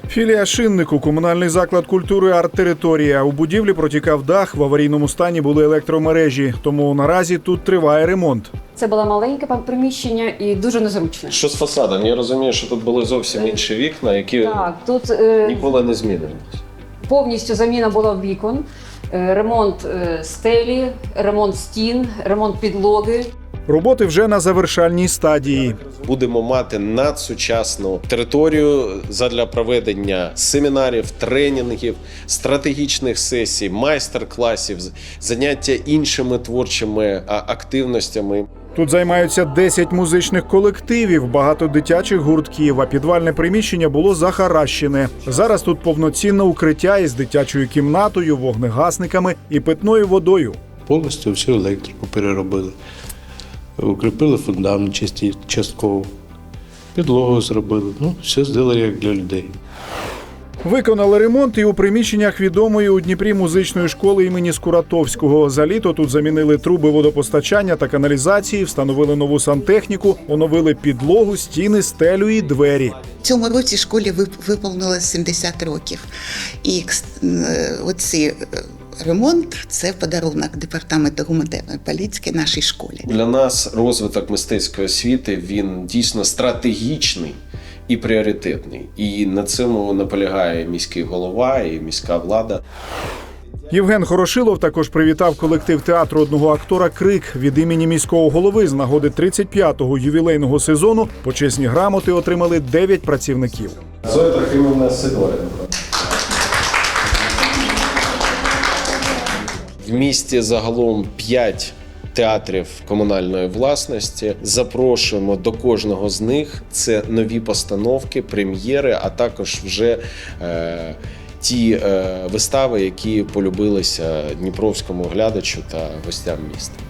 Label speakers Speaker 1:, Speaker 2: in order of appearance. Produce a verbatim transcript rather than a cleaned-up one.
Speaker 1: Філія «Шиннику» – комунальний заклад культури «Арт-територія». У будівлі протікав дах, в аварійному стані були електромережі, тому наразі тут триває ремонт.
Speaker 2: Це було маленьке приміщення і дуже незручне.
Speaker 3: Що з фасадом? Я розумію, що тут були зовсім інші вікна, які
Speaker 2: Так, тут е,
Speaker 3: ніколи не змінились.
Speaker 2: повністю заміна була вікон, е, ремонт е, стелі, ремонт стін, ремонт підлоги.
Speaker 1: Роботи вже на завершальній стадії.
Speaker 3: Будемо мати надсучасну територію задля проведення семінарів, тренінгів, стратегічних сесій, майстер-класів, заняття іншими творчими активностями.
Speaker 1: Тут займаються десять музичних колективів, багато дитячих гуртків, а підвальне приміщення було захаращене. Зараз тут повноцінне укриття із дитячою кімнатою, вогнегасниками і питною водою.
Speaker 4: Повністю всю електрику переробили. Укріпили фундамент частково, підлогу зробили. Ну, все зробили як для людей.
Speaker 1: Виконали ремонт і у приміщеннях відомої у Дніпрі музичної школи імені Скуратовського. За літо тут замінили труби водопостачання та каналізації, встановили нову сантехніку, оновили підлогу, стіни, стелю і двері.
Speaker 5: В цьому році школі виповнилось сімдесят років. І оці ремонт – це подарунок департаменту гуманітарної політики нашій школі.
Speaker 3: Для нас розвиток мистецької освіти, він дійсно стратегічний і пріоритетний. І на цьому наполягає міський голова і міська влада.
Speaker 1: Євген Хорошилов також привітав колектив театру одного актора «Крик» від імені міського голови з нагоди тридцять п'ятого ювілейного сезону. Почесні грамоти отримали дев'ять працівників.
Speaker 3: Зоя Трохимівна Сидоренко. В місті загалом п'ять театрів комунальної власності. Запрошуємо до кожного з них. Це нові постановки, прем'єри, а також вже е, ті е, вистави, які полюбилися дніпровському глядачу та гостям міста.